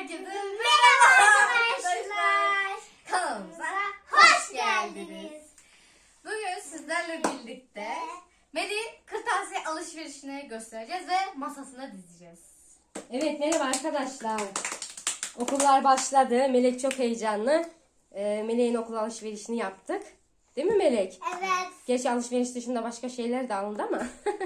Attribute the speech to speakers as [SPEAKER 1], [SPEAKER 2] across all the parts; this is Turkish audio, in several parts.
[SPEAKER 1] Herkese merhaba arkadaşlar. Kanalımıza hoş geldiniz. Bugün sizlerle birlikte Melih'in kırtasiye alışverişini göstereceğiz ve masasına dizeceğiz.
[SPEAKER 2] Evet, merhaba arkadaşlar. Okullar başladı. Melek çok heyecanlı. Melek'in okul alışverişini yaptık. Değil mi Melek?
[SPEAKER 3] Evet.
[SPEAKER 2] Gerçi alışveriş dışında başka şeyler de alındı ama.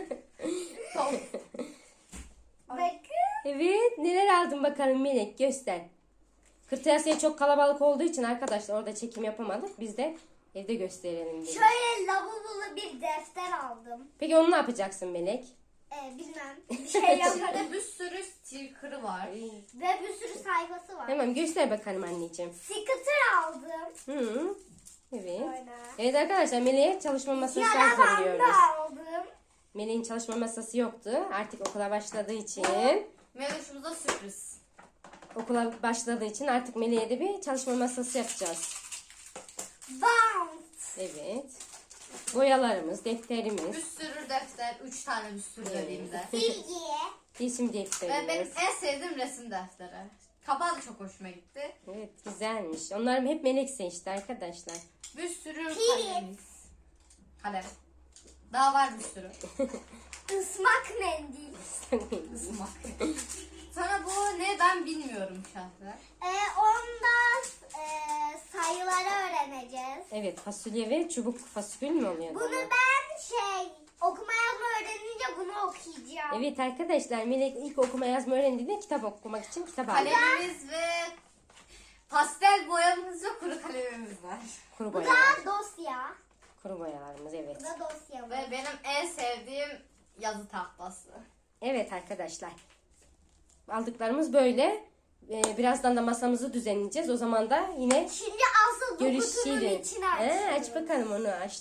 [SPEAKER 3] Bakın.
[SPEAKER 2] Evet, neler aldın bakalım Melek, göster. Kırtasiye çok kalabalık olduğu için arkadaşlar orada çekim yapamadık. Biz de evde gösterelim dedik.
[SPEAKER 3] Şöyle lavabolu bir defter aldım.
[SPEAKER 2] Peki onu ne yapacaksın Melek?
[SPEAKER 3] Bilmem. Bir şey yaparım.
[SPEAKER 1] Burada bir sürü sticker'ı var.
[SPEAKER 3] Ve bir sürü sayfası var.
[SPEAKER 2] Tamam, göster bakalım anneciğim.
[SPEAKER 3] Sticker aldım.
[SPEAKER 2] Hı. Evet.
[SPEAKER 3] Böyle.
[SPEAKER 2] Evet arkadaşlar, Melek'e çalışma masası
[SPEAKER 3] Yara bandı
[SPEAKER 2] hazırlıyoruz.
[SPEAKER 3] aldım.
[SPEAKER 2] Melek'in çalışma masası yoktu. Artık okula başladığı için.
[SPEAKER 1] Meloşumuza sürpriz.
[SPEAKER 2] Okula başladığı için artık Melek'e de bir çalışma masası yapacağız.
[SPEAKER 3] Bant.
[SPEAKER 2] Evet. Boyalarımız,
[SPEAKER 1] Bir
[SPEAKER 2] defterimiz,
[SPEAKER 1] sürü defter. 3 tane bir sürü dediğimde.
[SPEAKER 3] Silgi.
[SPEAKER 2] resim
[SPEAKER 1] Ve benim
[SPEAKER 2] defterimiz.
[SPEAKER 1] en sevdiğim resim defteri. Kapağı da çok hoşuma gitti.
[SPEAKER 2] Evet, güzelmiş. Onlar hep Melek seçti arkadaşlar.
[SPEAKER 1] Bir sürü
[SPEAKER 3] Kilit.
[SPEAKER 1] kalemimiz. Kalem. Daha var bir sürü.
[SPEAKER 3] Ismak mendil.
[SPEAKER 1] Ismak. Sonra bu ne ben bilmiyorum şahsen.
[SPEAKER 3] Ondan sayıları öğreneceğiz.
[SPEAKER 2] Evet, fasulye ve çubuk fasulye mi oluyor?
[SPEAKER 3] Bunu ben okuma yazma öğrenince bunu okuyacağım.
[SPEAKER 2] Evet arkadaşlar, Melek ilk okuma yazma öğrendiğinde kitap okumak için kitap aldı.
[SPEAKER 1] Kalemimiz ve pastel boyamız ve kuru kalemimiz var.
[SPEAKER 2] Kuru
[SPEAKER 3] Bu
[SPEAKER 2] boyalar.
[SPEAKER 3] da dosya.
[SPEAKER 2] Kuru boyalarımız, evet.
[SPEAKER 3] Bu da dosya.
[SPEAKER 1] Ve benim en sevdiğim yazı tahtası.
[SPEAKER 2] Evet arkadaşlar. Aldıklarımız böyle. Birazdan da masamızı düzenleyeceğiz. O zaman da yine
[SPEAKER 3] Şimdi asıl bu kutunun
[SPEAKER 2] görüşelim.
[SPEAKER 3] içine açıyoruz.
[SPEAKER 2] Aç bakalım onu, aç.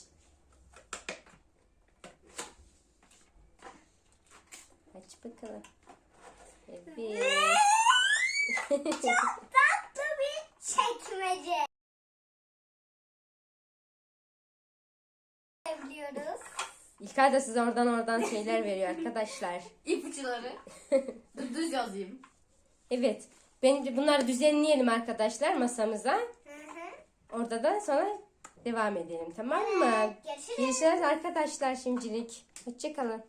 [SPEAKER 2] Aç bakalım. Evet.
[SPEAKER 3] Çok tatlı bir çekmece. Diyoruz.
[SPEAKER 2] İlkay da size oradan şeyler veriyor arkadaşlar.
[SPEAKER 1] İpuçları. Düz yazayım.
[SPEAKER 2] Evet. Bence bunları düzenleyelim arkadaşlar masamıza.
[SPEAKER 3] Hı hı.
[SPEAKER 2] Orada da sonra devam edelim, tamam mı?
[SPEAKER 3] Evet, görüşürüz.
[SPEAKER 2] Görüşürüz arkadaşlar şimdilik. Hoşçakalın.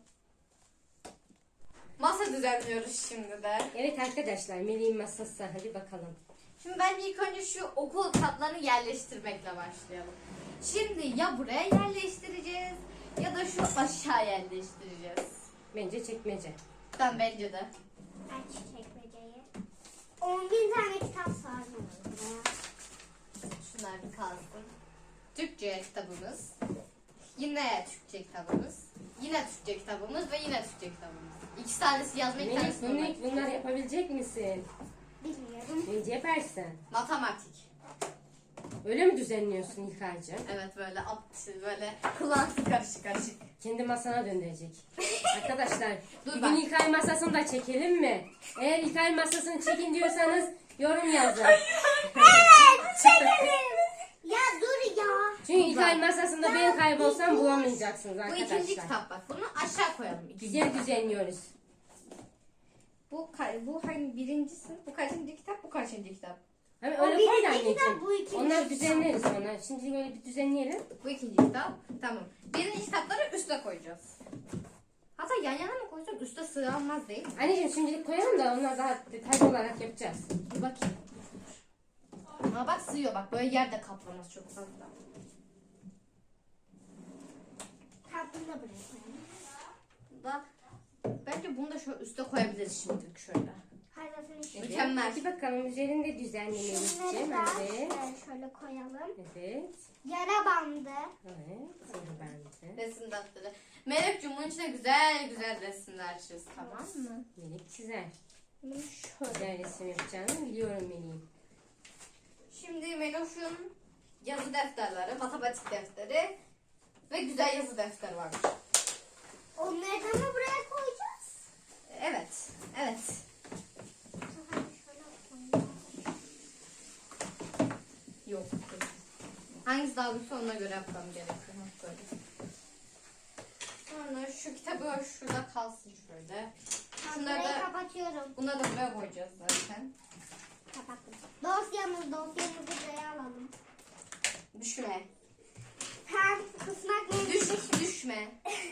[SPEAKER 1] Masa düzenliyoruz şimdi de.
[SPEAKER 2] Evet arkadaşlar, Melih'in masası. Hadi bakalım.
[SPEAKER 1] Şimdi bence ilk önce şu okul kitaplarını yerleştirmekle başlayalım. Şimdi ya buraya yerleştireceğiz ya da şu aşağı yerleştireceğiz.
[SPEAKER 2] Bence çekmece.
[SPEAKER 1] Bence de.
[SPEAKER 3] Aç çekmeceyi. 10.000 tane kitap sarmıyorum buraya.
[SPEAKER 1] Şunlar bir kalsın. Türkçe kitabımız. Yine Türkçe kitabımız. Yine Türkçe kitabımız ve yine Türkçe kitabımız. İki tanesi yazma, iki tanesi
[SPEAKER 2] Melih,
[SPEAKER 1] matematik.
[SPEAKER 2] bunları yapabilecek misin?
[SPEAKER 3] Bilmiyorum.
[SPEAKER 2] Bence yaparsın.
[SPEAKER 1] Matematik.
[SPEAKER 2] Öyle mi düzenliyorsun İlkay'cığım?
[SPEAKER 1] Evet böyle kullansı karışık karışık.
[SPEAKER 2] Kendi masana döndürecek. Arkadaşlar,
[SPEAKER 1] Dur
[SPEAKER 2] bugün
[SPEAKER 1] bak.
[SPEAKER 2] İlkay masasını da çekelim mi? Eğer İlkay masasını çekin diyorsanız yorum yazın.
[SPEAKER 3] Çekelim. Ya dur ya.
[SPEAKER 2] Çünkü İlkay masasında ben kaybolsam bulamayacaksınız
[SPEAKER 1] Bu
[SPEAKER 2] arkadaşlar.
[SPEAKER 1] ikinci kitap bak. Bunu aşağı koyalım.
[SPEAKER 2] Güzel düzenliyoruz.
[SPEAKER 1] Bu hangi birincisi? Bu kaçıncı kitap? Bu kaçıncı kitap?
[SPEAKER 2] Hani
[SPEAKER 3] O
[SPEAKER 2] öyle koy da
[SPEAKER 3] birinci kitap,
[SPEAKER 2] anneciğim.
[SPEAKER 3] bu ikinci
[SPEAKER 2] Onlar
[SPEAKER 3] kitap.
[SPEAKER 2] düzenleriz sonra. Şimdi böyle bir düzenleyelim.
[SPEAKER 1] Bu ikinci kitap. Tamam. Birinci kitapları üste koyacağız. Hatta yan yana mı koyacağız? Üste sığamaz değil mi?
[SPEAKER 2] Anneciğim şimdilik koyalım da onlar daha detaylı olarak yapacağız.
[SPEAKER 1] Bir bakayım. Ama bak sığıyor bak. Böyle yerde kaplamaz çok fazla.
[SPEAKER 3] Tatlını da buraya koyalım.
[SPEAKER 1] Da bence bunu da şöyle üste koyabiliriz şimdilik şöyle.
[SPEAKER 3] Hayır zaten işte.
[SPEAKER 1] Mükemmel.
[SPEAKER 2] Hadi bakalım üzerinde düzenleyelim.
[SPEAKER 3] Şunları da
[SPEAKER 2] Evet.
[SPEAKER 3] şöyle koyalım.
[SPEAKER 2] Evet.
[SPEAKER 3] Yara bandı.
[SPEAKER 2] Evet. Sarı bence.
[SPEAKER 1] Resim defteri. Melek'cim bunun içine güzel güzel resimler çiz, tamam mı?
[SPEAKER 2] Melek çizer.
[SPEAKER 1] Bunu şöyle.
[SPEAKER 2] Güzel resim yapacağını biliyorum Melek'in.
[SPEAKER 1] Şimdi Meloş'un yazı defterleri, matematik defteri ve güzel yazı defteri var.
[SPEAKER 3] Onları da mı buraya koyacağız?
[SPEAKER 1] Evet, evet.
[SPEAKER 3] Şöyle koyalım.
[SPEAKER 1] Yok. Hangisi daha büyükse ona göre yapmam gerekiyor. Böyle. Sonra şu kitabı şurada kalsın şöyle.
[SPEAKER 3] Ben
[SPEAKER 1] Şunları
[SPEAKER 3] burayı
[SPEAKER 1] da,
[SPEAKER 3] kapatıyorum.
[SPEAKER 1] bunları da buraya koyacağız zaten.
[SPEAKER 3] Dosyamızı buraya alalım.
[SPEAKER 1] Düşme.
[SPEAKER 3] Hem kısmak
[SPEAKER 1] Düşme.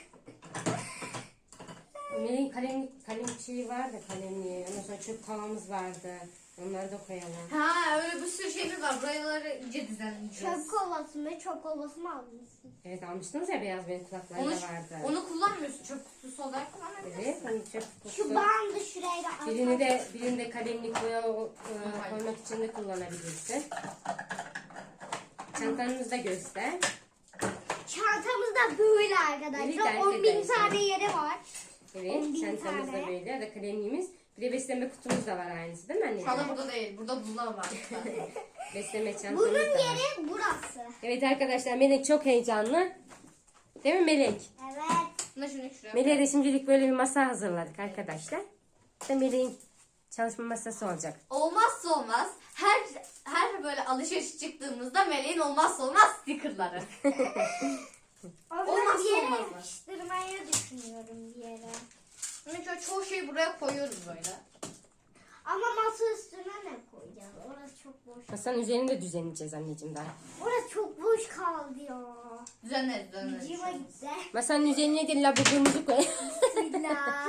[SPEAKER 2] Melek'in kalem şeyi vardı, kalemliği. Ondan sonra çöp tavamız vardı. Onları da koyalım.
[SPEAKER 1] Ha öyle bir sürü şeyimiz var. Buraları iyice düzenleyeceğiz.
[SPEAKER 3] çöp kovası mı? Çöp kovası mı almışsın?
[SPEAKER 2] Evet, almıştınız ya, beyaz benim kulaklarım
[SPEAKER 1] Onu,
[SPEAKER 2] da vardı.
[SPEAKER 1] onu kullanmıyorsun. Çöp kutusu olarak kullanabilirsin.
[SPEAKER 2] Evet, hani çöp
[SPEAKER 3] Şu
[SPEAKER 2] kutusu.
[SPEAKER 3] bandı şuraya da atalım.
[SPEAKER 2] Birini de kalemlik koymak için de kullanabilirsin. Çantanızı da göster.
[SPEAKER 3] Çantamız da böyle
[SPEAKER 2] Evet,
[SPEAKER 3] arkadaşlar. 10.000
[SPEAKER 2] arkadaşlar.
[SPEAKER 3] tane yeri var.
[SPEAKER 2] Evet,
[SPEAKER 3] 10.000
[SPEAKER 2] çantamız da
[SPEAKER 3] tane.
[SPEAKER 2] böyle. Ya da kalemliğimiz. Bir de besleme kutumuz da var aynısı, değil mi anneciğim?
[SPEAKER 1] Şu anda burada değil. Burada buzlar var.
[SPEAKER 2] Besleme çantamız
[SPEAKER 3] Bunun
[SPEAKER 2] da var.
[SPEAKER 3] yeri burası.
[SPEAKER 2] Evet arkadaşlar, Melek çok heyecanlı. Değil mi Melek?
[SPEAKER 3] Evet.
[SPEAKER 1] Buna şunu şuraya.
[SPEAKER 2] Melek'e de şimdilik böyle bir masa hazırladık arkadaşlar. İşte Melek'in çalışma masası olacak.
[SPEAKER 1] Olmazsa olmaz. Her böyle alışveriş çıktığımızda Meleğin olmazsa olmaz stickerları.
[SPEAKER 3] Onları
[SPEAKER 1] Olmazsa
[SPEAKER 3] bir yere
[SPEAKER 1] olmazlar.
[SPEAKER 3] yapıştırmayı düşünüyorum bir yere.
[SPEAKER 1] Mesela çoğu şeyi buraya koyuyoruz böyle.
[SPEAKER 3] Ama masa üstüne ne koyacağız? Orası çok boş.
[SPEAKER 2] Masanın üzerini de düzenleyeceğiz anneciğim daha.
[SPEAKER 3] Orası çok boş kaldı ya.
[SPEAKER 1] Düzenleriz.
[SPEAKER 3] Cima gitti.
[SPEAKER 2] Masanın üzerine de labubumuzu koy.
[SPEAKER 3] Bismillah.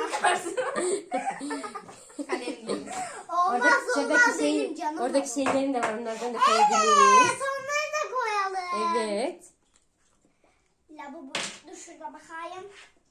[SPEAKER 1] Kalemliğimiz.
[SPEAKER 3] Olmaz olmaz benim canım.
[SPEAKER 2] oradaki şeylerin de var, onlardan da
[SPEAKER 3] Evet,
[SPEAKER 2] koyabiliriz.
[SPEAKER 3] onları da koyalım.
[SPEAKER 2] Evet.
[SPEAKER 3] Lavabo, dur şurada bakayım.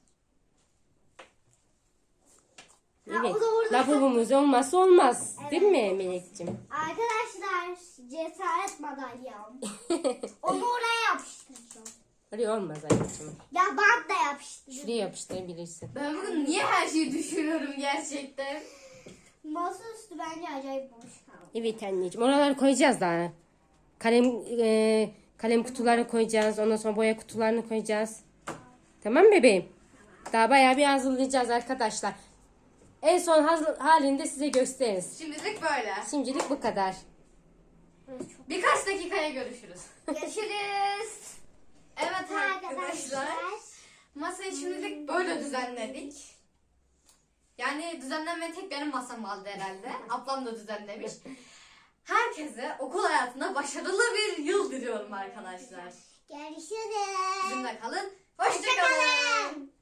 [SPEAKER 3] Ha,
[SPEAKER 2] Evet.
[SPEAKER 3] o da orada.
[SPEAKER 2] Labubumuz olmazsa olmaz. Değil
[SPEAKER 3] Evet.
[SPEAKER 2] mi Melek'ciğim?
[SPEAKER 3] Arkadaşlar cesaret madalyam. Onu oraya yapıştıracağım.
[SPEAKER 2] Oraya olmaz anneciğim.
[SPEAKER 3] Ya bant da yapıştıracağım.
[SPEAKER 2] Şuraya yapıştırabilirsin.
[SPEAKER 1] Ben bugün niye her şeyi düşünüyorum gerçekten?
[SPEAKER 3] Masa üstü bence acayip boş kaldı.
[SPEAKER 2] Evet anneciğim. Oraları koyacağız daha. Kalem kutuları koyacağız. Ondan sonra boya kutularını koyacağız. Tamam mı bebeğim? Daha bayağı bir hazırlayacağız arkadaşlar. En son halinde size gösteririz.
[SPEAKER 1] Şimdilik böyle.
[SPEAKER 2] Şimdilik bu kadar.
[SPEAKER 1] Birkaç dakikaya görüşürüz.
[SPEAKER 3] Görüşürüz.
[SPEAKER 1] Evet arkadaşlar. Masayı şimdilik böyle düzenledik. Yani düzenlenme tek benim masam kaldı herhalde. Ablam da düzenlemiş. Herkese okul hayatında başarılı bir yıl diliyorum arkadaşlar.
[SPEAKER 3] Görüşürüz.
[SPEAKER 1] Bizimle kalın. Hoşça kalın.